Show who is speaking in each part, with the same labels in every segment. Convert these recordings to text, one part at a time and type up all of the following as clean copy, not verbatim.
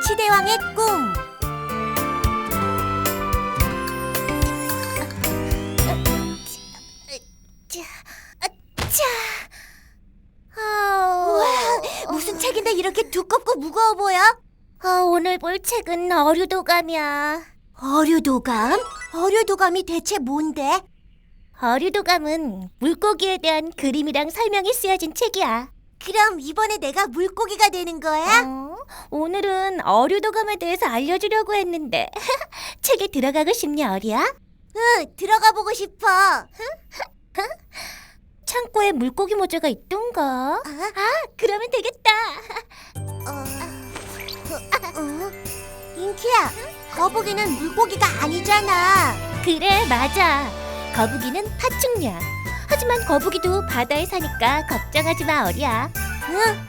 Speaker 1: 멸치대왕의 꿈. 우와, 무슨 책인데 이렇게 두껍고 무거워 보여?
Speaker 2: 오늘 볼 책은 어류도감이야.
Speaker 1: 어류도감? 어류도감이 대체 뭔데?
Speaker 2: 어류도감은 물고기에 대한 그림이랑 설명이 쓰여진 책이야.
Speaker 1: 그럼 이번에 내가 물고기가 되는 거야?
Speaker 2: 오늘은 어류도감에 대해서 알려주려고 했는데 책에 들어가고 싶니, 어리야?
Speaker 1: 응, 들어가 보고 싶어.
Speaker 2: 창고에 물고기 모자가 있던가? 그러면 되겠다.
Speaker 1: 인키야, 거북이는 물고기가 아니잖아.
Speaker 2: 그래, 맞아. 거북이는 파충류야. 하지만 거북이도 바다에 사니까 걱정하지 마, 어리야.
Speaker 1: 응?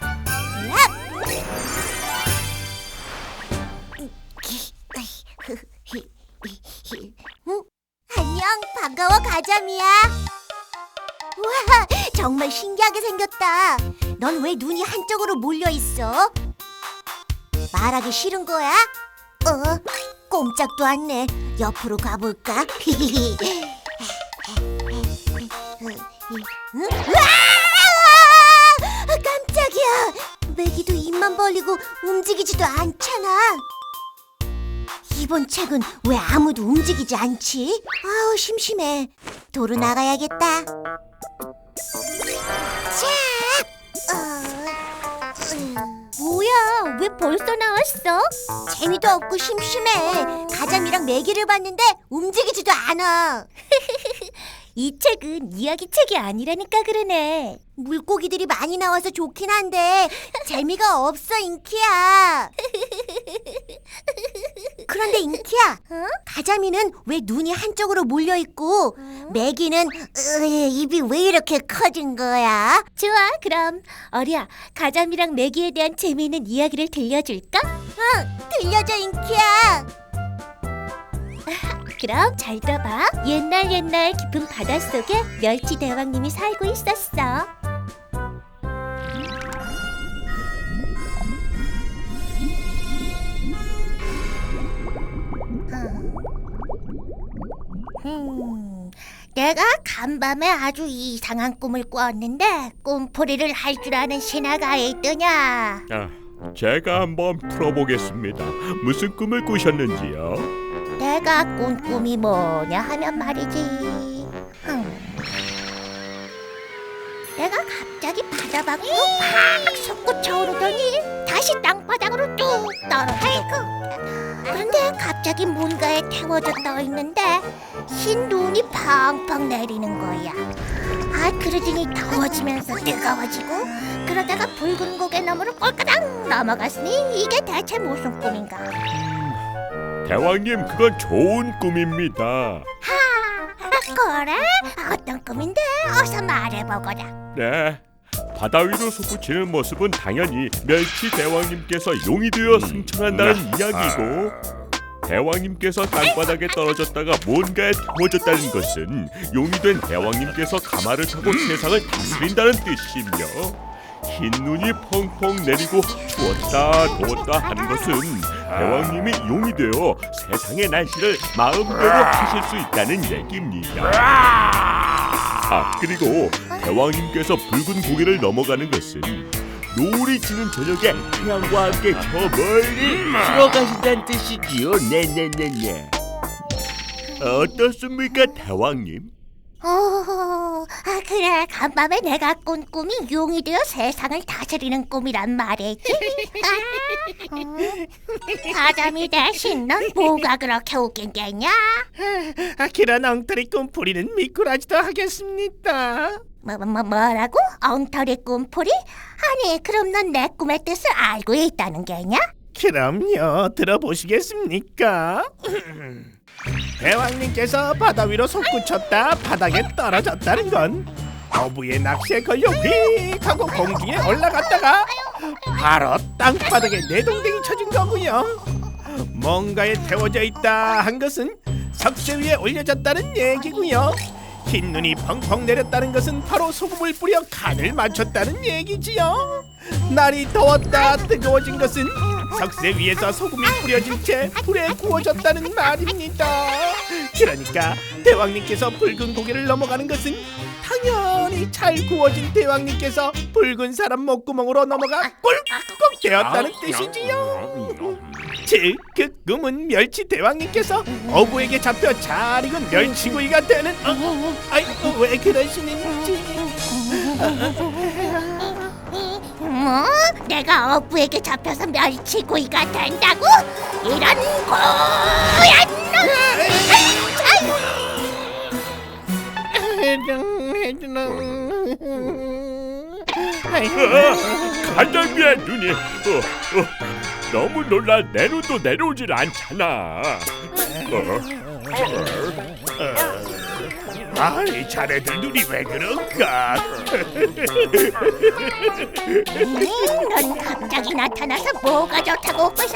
Speaker 1: 안녕, 반가워, 가자미야. 우와, 정말 신기하게 생겼다. 넌 왜 눈이 한쪽으로 몰려 있어? 말하기 싫은 거야? 꼼짝도 않네. 옆으로 가볼까? 응? 깜짝이야. 메기도 입만 벌리고 움직이지도 않잖아. 이번 책은 왜 아무도 움직이지 않지? 아우, 심심해. 도로 나가야겠다. 자,
Speaker 2: 뭐야, 왜 벌써 나왔어?
Speaker 1: 재미도 없고 심심해. 가자미랑 메기를 봤는데 움직이지도 않아.
Speaker 2: 이 책은 이야기 책이 아니라니까 그러네.
Speaker 1: 물고기들이 많이 나와서 좋긴 한데 재미가 없어, 인키야. 그런데 인키야, 가자미는 왜 눈이 한쪽으로 몰려 있고 메기는 입이 왜 이렇게 커진 거야?
Speaker 2: 좋아, 그럼 어리야, 가자미랑 메기에 대한 재미있는 이야기를 들려줄까?
Speaker 1: 들려줘, 인키야.
Speaker 2: 그럼 잘 들어봐. 옛날 깊은 바닷속에 멸치 대왕님이 살고 있었어. 내가 간밤에 아주 이상한 꿈을 꿨는데 꿈풀이를 할 줄 아는 신하가 있더냐?
Speaker 3: 제가 한번 풀어보겠습니다. 무슨 꿈을 꾸셨는지요?
Speaker 2: 내가 꾼 꿈이 뭐냐 하면 말이지. 내가 갑자기 바다 밖으로 팍 솟구쳐 오르더니 다시 땅바닥으로 뚝 떨어지고. 그런데 갑자기 뭔가에 태워져 떠 있는데 흰 눈이 펑펑 내리는 거야. 그러더니 더워지면서 뜨거워지고, 그러다가 붉은 고개 너머로 꼴까당 넘어갔으니 이게 대체 무슨 꿈인가?
Speaker 3: 대왕님, 그건 좋은 꿈입니다.
Speaker 2: 그래? 어떤 꿈인데? 어서 말해보거라.
Speaker 3: 네, 바다 위로 솟구치는 모습은 당연히 멸치 대왕님께서 용이 되어 승천한다는 이야기고, 대왕님께서 땅바닥에 떨어졌다가 뭔가에 태워졌다는 것은 용이 된 대왕님께서 가마를 타고 세상을 다스린다는 뜻이며, 흰 눈이 펑펑 내리고 추웠다 더웠다 하는 것은 대왕님이 용이 되어 세상의 날씨를 마음대로 하실 수 있다는 얘기입니다. 그리고 대왕님께서 붉은 고개를 넘어가는 것은 노을이 지는 저녁에 태양과 함께 저 멀리 들어가신다는 뜻이지요. 네네네네. 어떻습니까, 대왕님?
Speaker 2: 그래, 간밤에 내가 꾼 꿈이 용이 되어 세상을 다스리는 꿈이란 말이지. 가자미 대신 넌 뭐가 그렇게 웃긴 게냐?
Speaker 4: 그런 엉터리 꿈풀이는 미꾸라지도 하겠습니다.
Speaker 2: 뭐라고? 엉터리 꿈풀이? 아니, 그럼 넌 내 꿈의 뜻을 알고 있다는 게냐?
Speaker 4: 그럼요, 들어보시겠습니까? 대왕님께서 바다 위로 솟구쳤다 바닥에 떨어졌다는 건 어부의 낚시에 걸려 휙 하고 공중에 올라갔다가 바로 땅바닥에 내동댕이 쳐진 거고요. 뭔가에 태워져 있다 한 것은 석쇠 위에 올려졌다는 얘기고요. 흰 눈이 펑펑 내렸다는 것은 바로 소금을 뿌려 간을 맞췄다는 얘기지요. 날이 더웠다 뜨거워진 것은 석쇠 위에서 소금이 뿌려진 채 불에 구워졌다는 말입니다. 그러니까 대왕님께서 붉은 고개를 넘어가는 것은 당연히 잘 구워진 대왕님께서 붉은 사람 목구멍으로 넘어가 꿀꺽 되었다는 뜻이지요. 즉, 그 꿈은 멸치 대왕님께서 어부에게 잡혀 잘 익은 멸치구이가 되는 왜 그러시는지.
Speaker 2: 뭐? 내가 어부에게 잡혀서 멸치구이가 된다고? 이런 고얀
Speaker 3: 가자미의 눈이 너무 놀라 내 눈도 내려오질 않잖아.
Speaker 4: 아이, 자네들 눈이 왜 그런가?
Speaker 2: 넌 갑자기 나타나서 뭐가 좋다고 웃고서?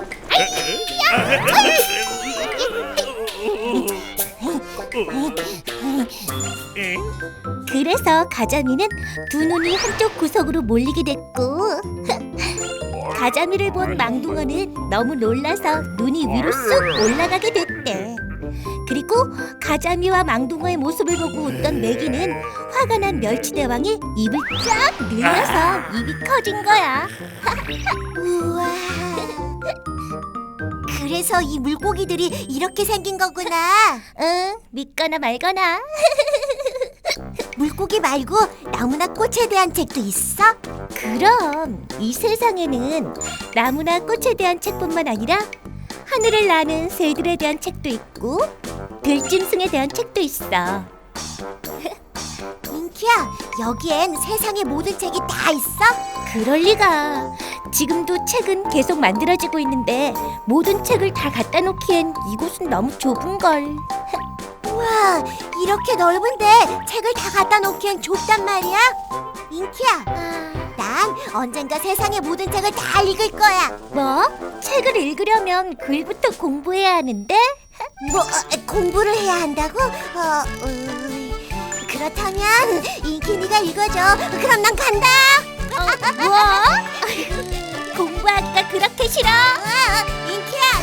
Speaker 1: 그래서 가자미는 두 눈이 한쪽 구석으로 몰리게 됐고 가자미를 본 망둥어는 너무 놀라서 눈이 위로 쑥 올라가게 됐대. 그리고 가자미와 망둥어의 모습을 보고 웃던 메기는 화가 난 멸치대왕이 입을 쫙 늘려서 입이 커진 거야.
Speaker 2: 우와.
Speaker 1: 그래서 이 물고기들이 이렇게 생긴 거구나.
Speaker 2: 응, 믿거나 말거나.
Speaker 1: 물고기 말고 나무나 꽃에 대한 책도 있어?
Speaker 2: 그럼 이 세상에는 나무나 꽃에 대한 책뿐만 아니라 하늘을 나는 새들에 대한 책도 있고 들짐승에 대한 책도 있어.
Speaker 1: 인키야, 여기엔 세상의 모든 책이 다 있어?
Speaker 2: 그럴 리가. 지금도 책은 계속 만들어지고 있는데 모든 책을 다 갖다 놓기엔 이곳은 너무 좁은걸.
Speaker 1: 우와, 이렇게 넓은데 책을 다 갖다 놓기엔 좁단 말이야? 인키야, 난 언젠가 세상의 모든 책을 다 읽을 거야.
Speaker 2: 뭐? 책을 읽으려면 글부터 공부해야 하는데?
Speaker 1: 공부를 해야 한다고? 그렇다면 인키니가 읽어줘. 그럼 난 간다.
Speaker 2: 뭐? 공부하기가 그렇게 싫어?
Speaker 1: 인키야,